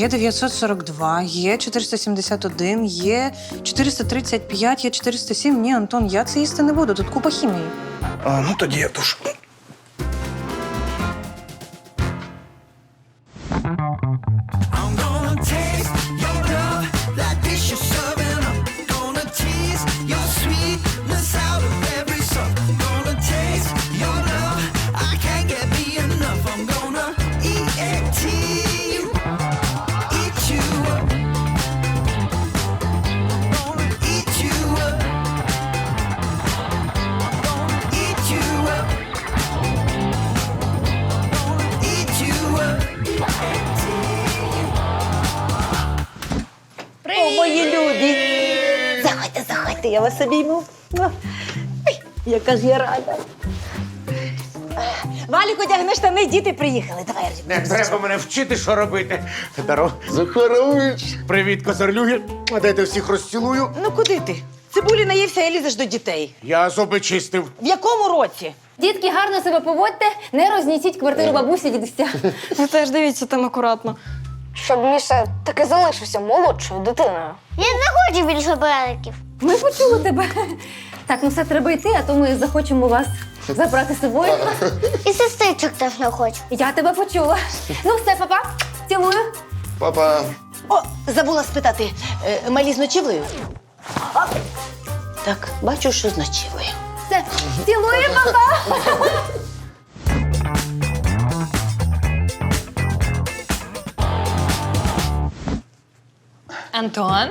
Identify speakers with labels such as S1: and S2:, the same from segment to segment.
S1: Є 942, є 471, є 435, є 407. Ні, Антон, я це їсти не буду, тут купа хімії.
S2: Ну тоді я туш.
S3: I'm gonna taste your love like this you're serving up. Gonna tease your sweetness out of every suck. Gonna taste your love, I can't get me enough. I'm gonna eat you, eat you up. Gonna eat you up. Gonna eat you up. Gonna eat you up.
S4: О, мої любі! Заходьте, я вас обійму. Ой, яка ж я рада. Валік, одягни штани, діти приїхали. Давай,
S5: Не треба мене вчити, що робити. Федоро,
S2: Захарович!
S5: привіт, козарлюги. А дайте всіх розцілую.
S4: Ну куди ти? Цибулі наївся і лізеш до дітей.
S5: Я зуби чистив.
S4: В якому році?
S6: Дітки, гарно себе поводьте, не рознісіть квартиру бабусі дідуся.
S7: Ви теж дивіться там акуратно.
S6: Щоб Міша таки залишився молодшою дитиною.
S8: Я не хочу більше братиків.
S6: Ми почули тебе. Так, ну все, треба йти, а то ми захочемо вас забрати з собою.
S8: І сестричок теж не хочу.
S6: Я тебе почула. Ну все, папа, цілую.
S2: Папа.
S4: О, забула спитати, малі з ночівлею? А, так, бачу, що з ночівлею.
S6: Все, цілую, папа.
S1: Антон?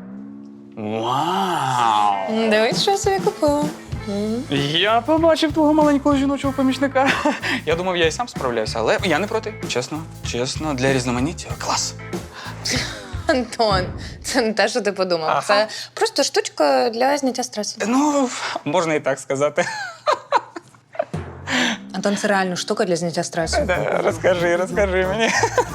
S2: Вау!
S1: Дивись, що я собі купила.
S9: Я побачив твого маленького жіночого помічника. Я думав, я і сам справляюся, але я не проти. Чесно, для різноманіття клас.
S1: Антон, це не те, що ти подумав.
S9: Ага.
S1: Це просто штучка для зняття стресу.
S9: Ну, можна і так сказати.
S1: Антон, це реально штука для зняття стресу.
S9: Розкажи мені.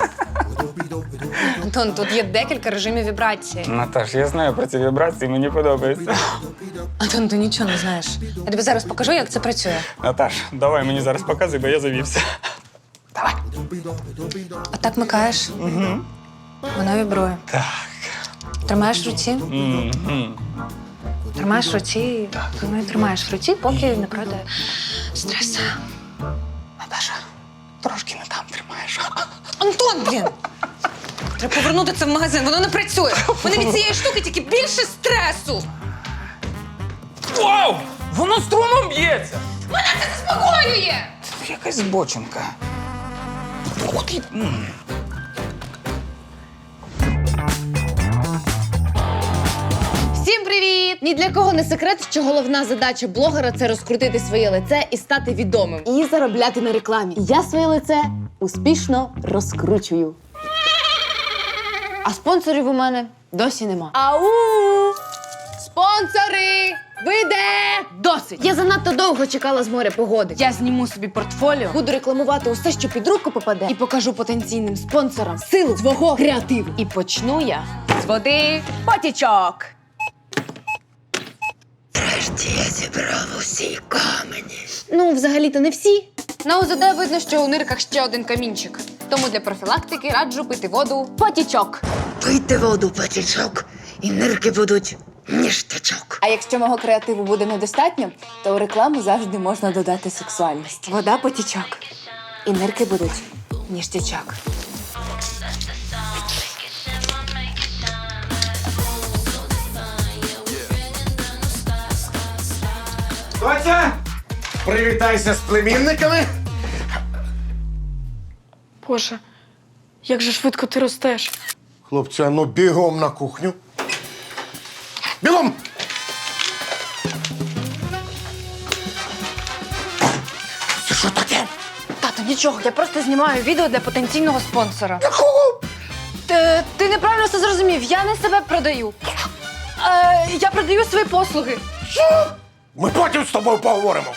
S1: Антон, тут є декілька режимів вібрації.
S9: Наташ, я знаю про ці вібрації, мені подобається.
S1: Антон, ти нічого не знаєш. Я тобі зараз покажу, як це працює.
S9: Наташ, давай мені зараз показуй, бо я завівся. Давай.
S1: Отак микаєш. Угу. Воно вібрує.
S9: Так.
S1: Тримаєш в руці. Тримаєш в руці. Ну і тримаєш в руці, поки не пройде стрес.
S9: Наташа, трошки не там тримаєш.
S1: Антон, блін! Треба повернути це в магазин, воно не працює. Мене від цієї штуки тільки більше стресу.
S9: Вау! Воно струмом б'ється!
S1: Мене це заспокоює!
S9: Це якась збочинка.
S10: Всім привіт! Ні для кого не секрет, що головна задача блогера – це розкрутити своє лице і стати відомим. І заробляти на рекламі. Я своє лице успішно розкручую. А спонсорів у мене досі нема. Ау! Спонсори! Ви де? Досить! Я занадто довго чекала з моря погоди. Я зніму собі портфоліо, буду рекламувати усе, що під руку попаде, і покажу потенційним спонсорам силу свого креативу. І почну я з води потічок.
S4: Я зібрав усі камені.
S10: Ну, взагалі-то не всі. На УЗД видно, що у нирках ще один камінчик. Тому для профілактики раджу пити воду потічок.
S4: Пийте воду, потічок, і нирки будуть ніштячок.
S10: А якщо мого креативу буде недостатньо, то у рекламу завжди можна додати сексуальність. Вода потічок. І нирки будуть ніштячок.
S5: Доця, привітайся з племінниками.
S7: Боже, як же швидко ти ростеш.
S2: Хлопці, а ну бігом на кухню. Бігом! Це що таке?
S7: Тато, нічого, я просто знімаю відео для потенційного спонсора.
S2: Якого?
S7: Ти неправильно все зрозумів, я не себе продаю. Я продаю свої послуги.
S2: Що? Ми потім з тобою поговоримо.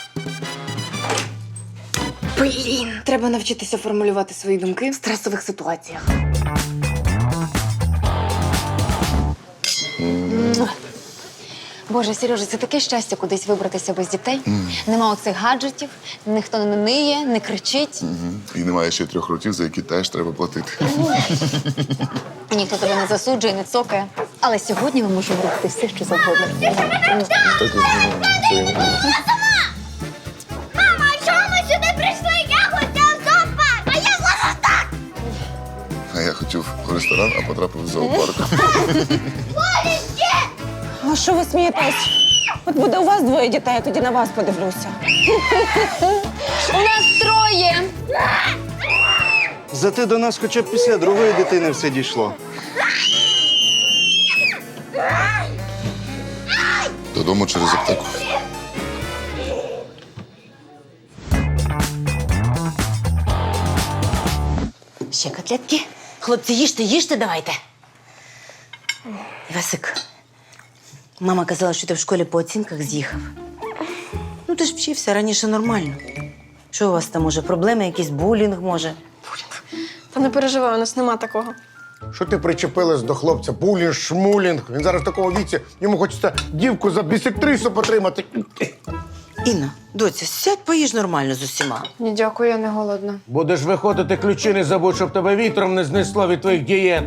S7: Блін. Треба навчитися формулювати свої думки в стресових ситуаціях. Боже, Сережа, це таке щастя кудись вибратися без дітей. Нема оцих гаджетів, ніхто не ниє, не кричить.
S11: І немає ще 3 років, за які теж треба платити.
S7: І ніхто тебе не засуджує, не цокає. Але сьогодні ми можемо робити все, що завгодно.
S8: Мама, а чому ми сюди прийшли? Я хотіла в зоопарк, а я хочу так!
S11: А я хотів в ресторан, а потрапив в зоопарк.
S12: А що ви смієтесь? От буде у вас 2 дітей, я тоді на вас подивлюся.
S7: У нас 3!
S13: Зате до нас хоча б після 2-ї дитини все дійшло.
S11: Додому через аптеку.
S4: Ще котлетки. Хлопці, їжте давайте. Івасик, мама казала, що ти в школі по оцінках з'їхав. Ну, ти ж вчився раніше нормально. Що у вас там, може, проблеми, якийсь булінг, може?
S7: Та не переживай, у нас нема такого.
S2: Що ти причепилась до хлопця? Булінг, шмулінг. Він зараз в такому віці, йому хочеться дівку за бісектрису потримати.
S4: Інна, доця, сядь, поїж нормально з усіма.
S7: Ні, дякую, я не голодна.
S5: Будеш виходити, ключі не забудь, щоб тебе вітром не знесло від твоїх дієт.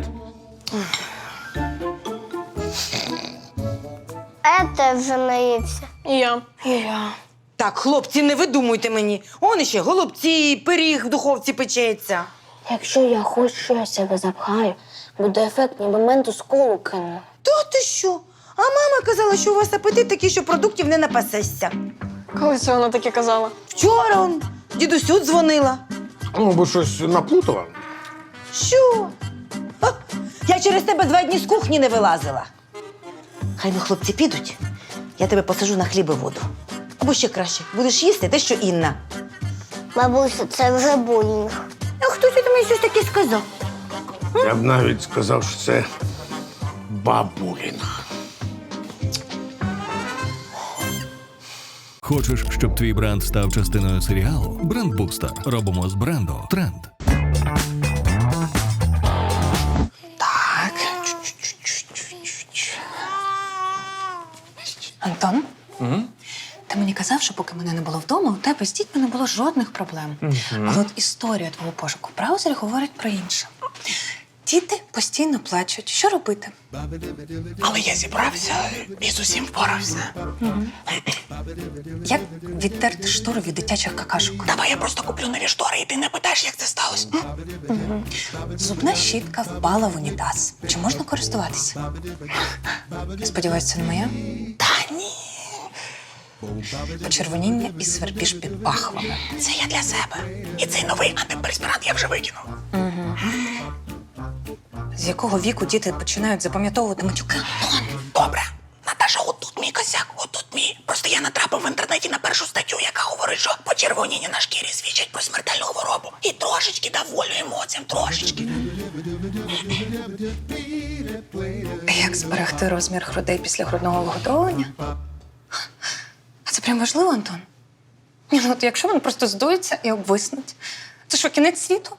S8: Ете вже наївся.
S7: І я.
S4: Так, хлопці, не видумуйте мені. Он іще голубці, пиріг в духовці печеться.
S8: Якщо я хоч щось себе запхаю, буде ефект, ніби менту з колу кинули.
S4: То ти що? А мама казала, що у вас апетит такий, що продуктів не напасешся.
S7: Коли це вона таке казала?
S4: Вчора он дідусю дзвонила.
S2: Ну, бо щось наплутала.
S4: Що? Ха, я через тебе 2 дні з кухні не вилазила. Хай ну хлопці підуть, я тебе посажу на хліб і воду. Або ще краще, будеш їсти те, що Інна.
S8: Бабусю, це вже булінг.
S4: А хтось у мені щось таке сказав.
S2: Я б навіть сказав, що це бабулінг.
S14: Хочеш, щоб твій бренд став частиною серіалу? Брендбустер. Робимо з бренду тренд.
S1: Так. Антон? Ти мені казав, що поки мене не було вдома, у тебе з дітьми не було жодних проблем. Але от історія твого пошуку в браузері говорить про інше. Діти постійно плачуть. Що робити?
S9: Але я зібрався і з усім впорався.
S1: Як відтерти штору від дитячих какашок?
S9: Давай я просто куплю нові штори, і ти не питаєш, як це сталося.
S1: Зубна щітка впала в унітаз. Чи можна користуватися? Сподіваюсь, це не моя?
S9: Та ні.
S1: Почервоніння і свербіж під пахвами.
S9: Це я для себе. І цей новий антиперспірант я вже викинув.
S1: З якого віку діти починають запам'ятовувати матюки?
S9: Добре. Наташа, отут мій косяк, отут мій. Просто я натрапив в інтернеті на першу статтю, яка говорить, що почервоніння на шкірі свідчать про смертельну хворобу. І трошечки дав волю емоціям, трошечки.
S1: Як зберегти розмір грудей після грудного вигодовування? А це прям важливо, Антон? Ні, ну от якщо вони просто здуються і обвиснуть, це що, кінець світу?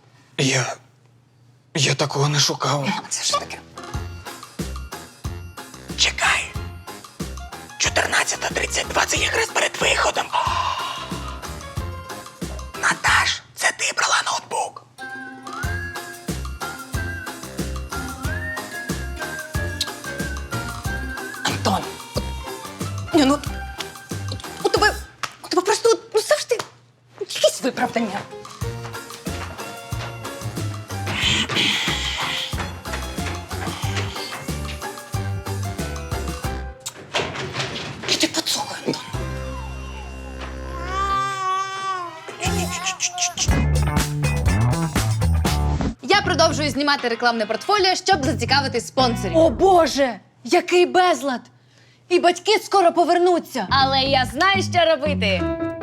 S9: Я такого не шукав.
S1: Ну, це ж таке.
S9: Чекай. 14:32 – це якраз перед виходом. Наташ, це ти брала ноутбук.
S1: Антон, ні, ну, у тебе просто ну, завжди якісь виправдання. І ти поцокай, Антон.
S10: Я продовжую знімати рекламне портфоліо, щоб зацікавити спонсорів.
S7: О Боже! Який безлад! І батьки скоро повернуться.
S10: Але я знаю, що робити.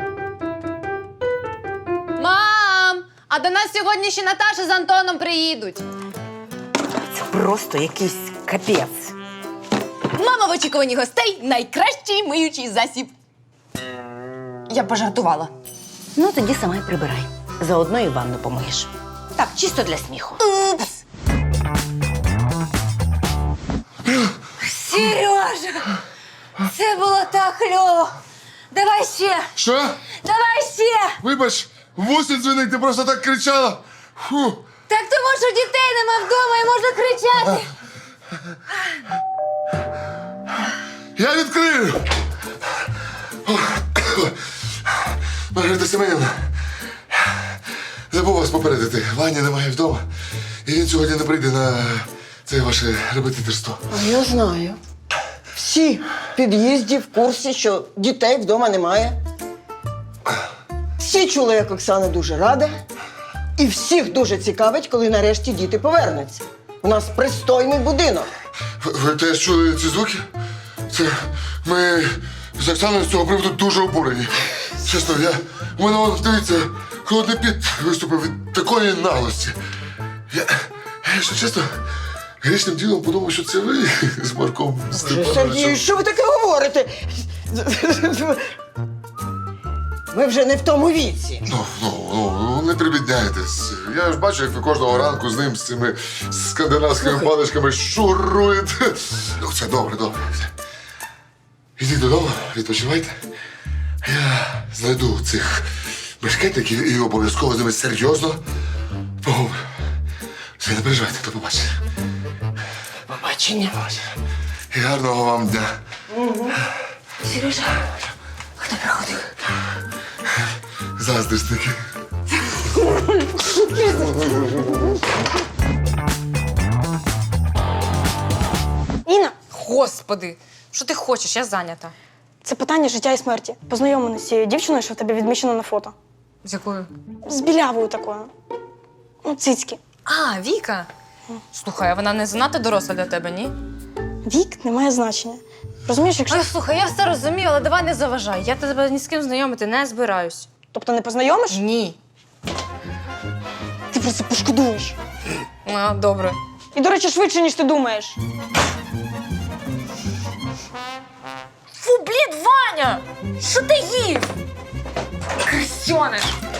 S10: Мам! А до нас сьогодні ще Наташа з Антоном приїдуть.
S4: Це просто якийсь капець.
S10: Мама в очікуванні гостей – найкращий миючий засіб.
S1: Я б пожартувала.
S4: Ну, тоді сама й прибирай. Заодно і ванну помиєш. Так, чисто для сміху.
S10: Упс!
S4: Сережа!
S1: Це було так кльово. Давай ще!
S11: Що?
S1: Давай ще!
S11: Вибач, вусі дзвінить, ти просто так кричала. Фу.
S1: Так тому що дітей нема вдома і можна кричати.
S11: Я відкрию. Маргарита Семенівна, забув вас попередити. Вані немає вдома. І він сьогодні не прийде на це ваше репетиторство.
S15: Я знаю. Всі в під'їзді в курсі, що дітей вдома немає. Всі чули, як Оксана дуже рада. І всіх дуже цікавить, коли нарешті діти повернуться. У нас пристойний будинок.
S11: Ви теж чули ці звуки? Це ми з Оксаною з цього приводу дуже обурені. Чесно, у мене, вон, дивіться, холодний піт виступив від такої наглості. Я, якщо чесно, грішним ділом подумав, що це ви з Марком
S15: Сергій,
S11: Степановичем.
S15: що ви таке говорите? Ми вже не в тому віці.
S11: Ну, не прибідняйтесь. Я ж бачу, як ви кожного ранку з ним, з цими скандинавськими паличками шуруєте. Ну, це добре. Ідіть додому, відпочивайте. Я знайду цих бешкетників і обов'язково з ними серйозно поговорю. Все, не переживайте, до побачення.
S15: Побачення.
S11: І гарного вам дня.
S1: Сережа, хто приходив?
S11: Заздрісники.
S12: Інна,
S16: Господи, що ти хочеш? Я зайнята.
S12: це питання життя і смерті. Познайомлена з цією дівчиною, що в тебе відмічено на фото.
S16: З якою?
S12: З білявою такою. Ну, цицьки.
S16: А, Віка. Слухай, а вона не занадто доросла для тебе, ні?
S12: Вік не має значення. Розумієш, якщо.
S16: Ой, слухай, я все розумію, але давай не заважай. Я тебе ні з ким знайомити не збираюсь.
S12: Тобто не познайомиш?
S16: Ні.
S12: Ти про це пошкодуєш.
S16: А, добре.
S12: І, до речі, швидше, ніж ти думаєш.
S16: Фу, блін, Ваня! Що ти їв? Крисьониш!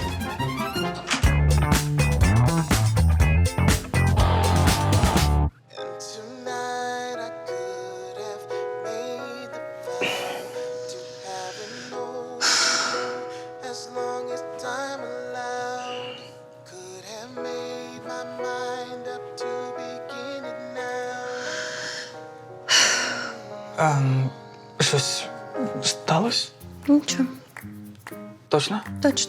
S17: Щось сталося?
S1: Нічого,
S17: Точно?
S1: точно.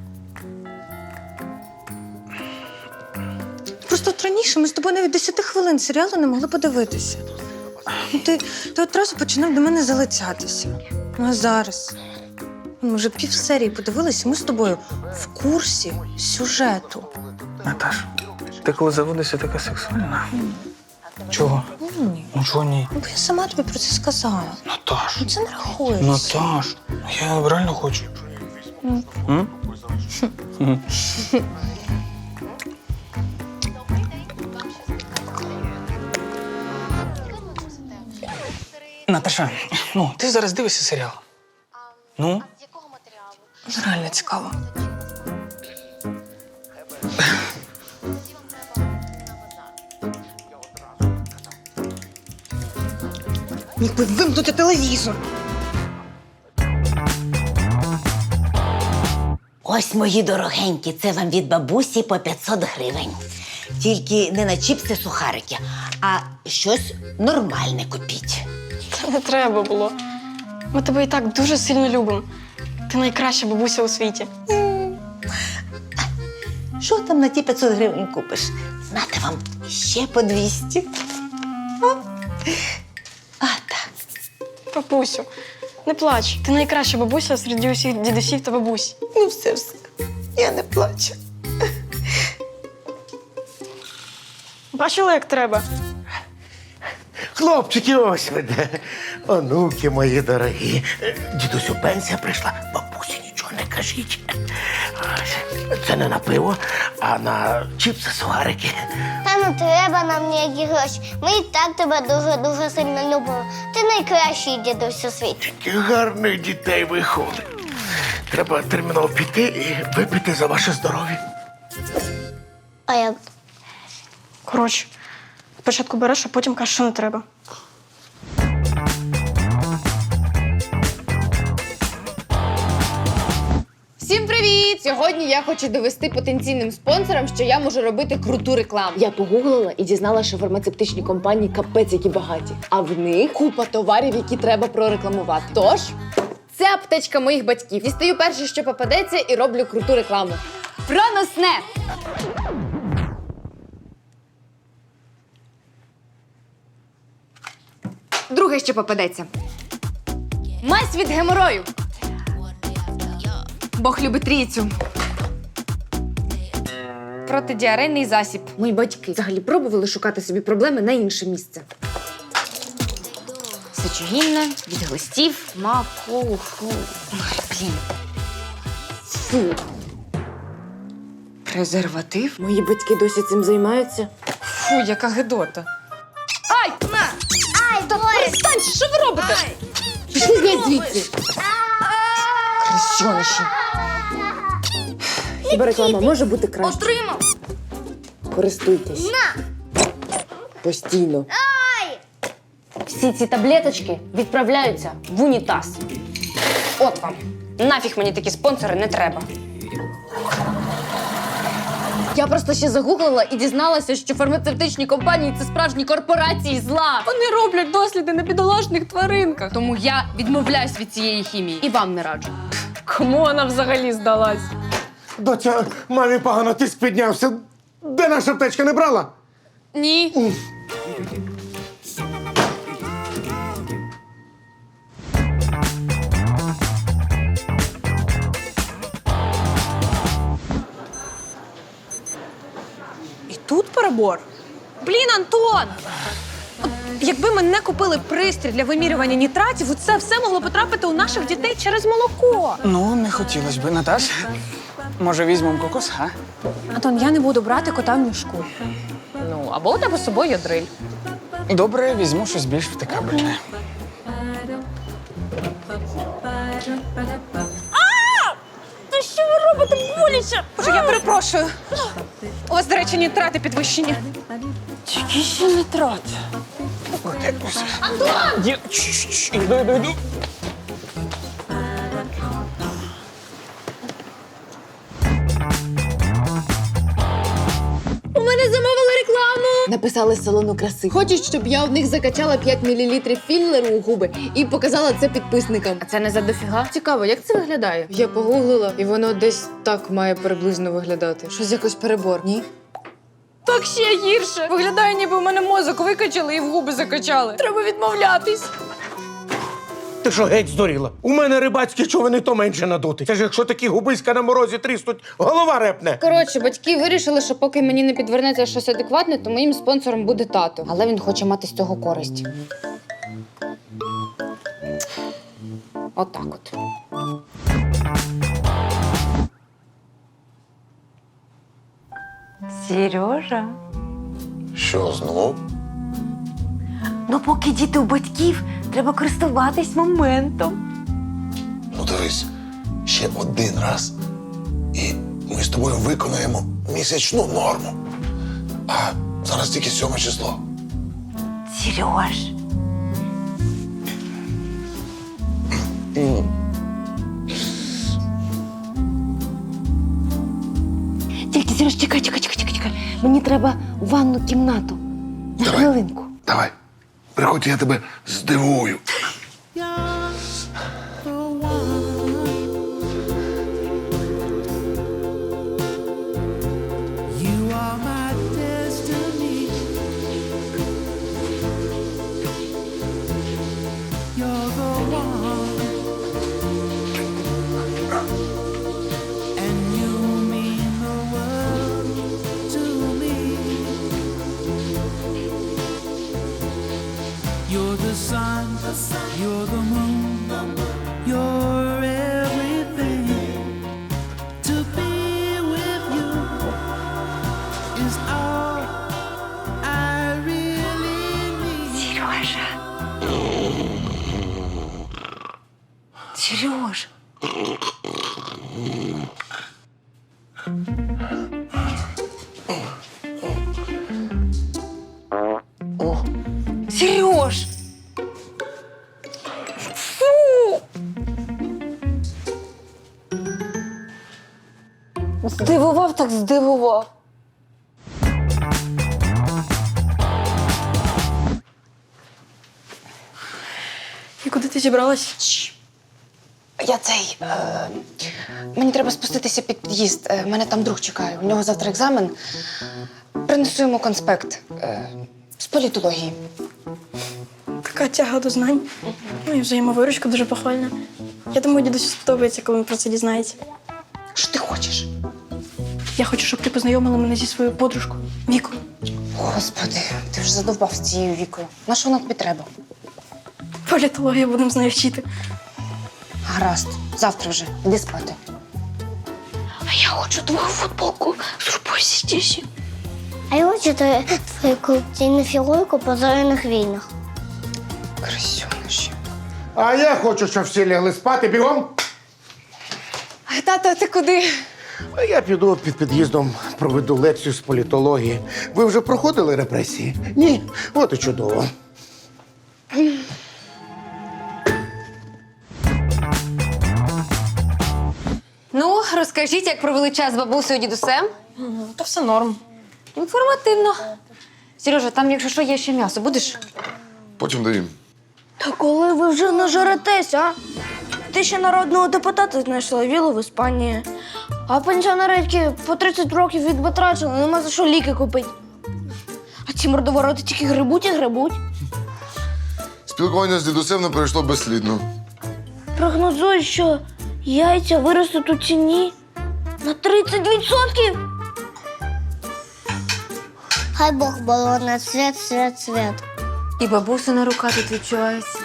S1: Просто от раніше ми з тобою навіть 10 хвилин серіалу не могли подивитися. Ну, ти одразу починав до мене залицятися. Ну а зараз? Ми вже півсерії подивилися, ми з тобою в курсі сюжету.
S17: Наташ, ти коли заводишся така сексуальна? Чого?
S1: Ні.
S17: Ну чого ні?
S1: Ну, бо я сама тобі про це сказала.
S17: Наташ.
S1: Ну, це не рахується.
S17: Наташ, я реально хочу. М? Наташа, ну, ти зараз дивишся серіал. Ну?
S1: Реально цікаво. Міг би вимкнути телевізор.
S4: Ось, мої дорогенькі, це вам від бабусі по 500 гривень. Тільки не на чіпси сухарики, а щось нормальне купіть.
S12: Та не треба було. Ми тебе і так дуже сильно любимо. Ти найкраща бабуся у світі.
S4: Що там на ті 500 гривень купиш? Нате вам ще по 200.
S12: Папусю, не плач. Ти найкраща бабуся серед усіх дідусів та бабусь.
S4: Ну, все. Я не плачу.
S12: Бачила, як треба?
S2: Хлопчики, ось ви де. Онуки мої дорогі. Дідусю, пенсія прийшла. Бабусі, нічого не кажіть. Це не на пиво, а на чіпси, сухарики.
S8: Та не треба нам ніякі гроші. Ми і так тебе дуже-дуже сильно любимо. Ти найкращий дідусь у світі.
S2: Які гарних дітей виходить. Треба терміново піти і випити за ваше здоров'я.
S8: А як?
S12: Коротше, спочатку береш, а потім кажеш, що не треба.
S10: Всім привіт! Сьогодні я хочу довести потенційним спонсорам, що я можу робити круту рекламу. Я погуглила і дізналася, що фармацевтичні компанії капець які багаті. А в них купа товарів, які треба прорекламувати. Тож, це аптечка моїх батьків. Дістаю перше, що попадеться, і роблю круту рекламу. Проносне! Друге, що попадеться. Мазь від геморою. Бог любить трійцю. Протидіарейний засіб. Мої батьки взагалі пробували шукати собі проблеми на інше місце. Сечогінна, від глистів, маку, фу. Ой, блін. Фу. Презерватив? Мої батьки досі цим займаються. Фу, яка гидота. Ай! На! Ай, та перестань! Що ви робите? Пішли геть звідси. Крещониші. Хіба реклама може бути краще?
S8: Отримав!
S10: Користуйтесь.
S8: На!
S10: Постійно.
S8: Ай!
S16: Всі ці таблеточки відправляються в унітаз. От вам. Нафіг мені такі спонсори не треба.
S10: Я просто ще загуглила і дізналася, що фармацевтичні компанії – це справжні корпорації зла. Вони роблять досліди на бідолашних тваринках. Тому я відмовляюсь від цієї хімії. І вам не раджу. Кому вона взагалі здалась?
S5: Доця, мамі погано, тиск піднявся. Де наша аптечка, не брала?
S10: Ні.
S1: І тут перебор. Блін, Антон! От якби ми не купили пристрій для вимірювання нітратів, це все могло потрапити у наших дітей через молоко.
S17: Ну, не хотілося б, Наташ. Може, візьмемо кокос, а?
S1: Антон, я не буду брати кота в мішку.
S16: Ну, або у тебе з собою є дриль.
S17: Добре, візьму щось більш втикабельне.
S1: Та що ви робите? Боляче! Боже, я перепрошую. У вас, до речі, нітрати підвищені.
S17: Які ще нітрати?
S1: Антон!
S17: Іду.
S10: У мене замовили рекламу! Написали з салону краси. Хочуть, щоб я у них закачала 5 мл філлеру у губи і показала це підписникам.
S16: А це не за дофіга?
S10: Цікаво, як це виглядає? Я погуглила, і воно десь так має приблизно виглядати. Щось якось перебор, ні?
S16: Так ще гірше. Виглядає, ніби у мене мозок викачали і в губи закачали. Треба відмовлятись.
S5: Ти що, геть здуріла? У мене рибацькі човени то менше надути. Це ж якщо такі губиська на морозі тріснуть, голова репне.
S10: Коротше, батьки вирішили, що поки мені не підвернеться щось адекватне, то моїм спонсором буде тато. Але він хоче мати з цього користь. Отак от.
S4: Сережа.
S11: Що знову?
S4: Ну, поки діти у батьків, треба користуватись моментом.
S11: Ну дивись, ще один раз. І ми з тобою виконаємо місячну норму. А зараз тільки 7 число.
S4: Сереж. Тільки, Сереж, чекай. Мені треба у ванну кімнату. На хвилинку.
S11: Давай, приходь, я тебе здивую.
S3: You are my destiny. You're the one. And you mean the world to me. You're the sun, you're the moon, you're everything. To be with you is all I really need.
S4: Сережа. Сереж. Сереж. Фу.
S10: Здивував, так здивував.
S12: І куди ти зібралась?
S10: Я мені треба спуститися під під'їзд. Мене там друг чекає. У нього завтра екзамен. Принесу йому конспект з політології.
S12: Така тяга до знань. Ну і взаємовиручка дуже похвальна. Я думаю, дідусю сподобається, коли він про це дізнається.
S10: Що ти хочеш?
S12: Я хочу, щоб ти познайомила мене зі своєю подружкою Вікою.
S10: Господи, ти вже задовбав з цією Вікою. На що вона тобі треба?
S12: Політологію будемо з нею вчити.
S10: Гаразд, завтра вже. Іди спати.
S8: А я хочу твою футболку з Рубусі Тісі. А я хочу твою колекційну фігурку по зоряних війнах.
S10: Красюниші.
S5: А я хочу, щоб всі лягли спати бігом.
S10: Тата, ти куди?
S5: А я піду під під'їздом, проведу лекцію з політології. Ви вже проходили репресії? Ні? От і чудово.
S6: Ну, розкажіть, як провели час з бабусею і дідусем?
S12: Та все норм.
S6: Інформативно. Сережа, там, якщо що, є ще м'ясо. Будеш?
S11: Потім доїм.
S18: Та коли ви вже нажеретесь, а? Ти ще народного депутата знайшла вілу в Іспанії. А пенсіонерки по 30 років відбатрачили, нема за що ліки купити. А ці мордовороти тільки грибуть і грибуть.
S11: Спілкування з дідусем не пройшло безслідно.
S18: Прогнозують, що яйця виростуть у ціні на 30%.
S8: Хай Бог балоне, свят, свят, свят.
S6: І бабусина рука тут відчувається.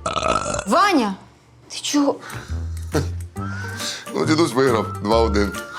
S6: Ваня! Ти чого?
S11: Ну, дідусь виграв 2-1.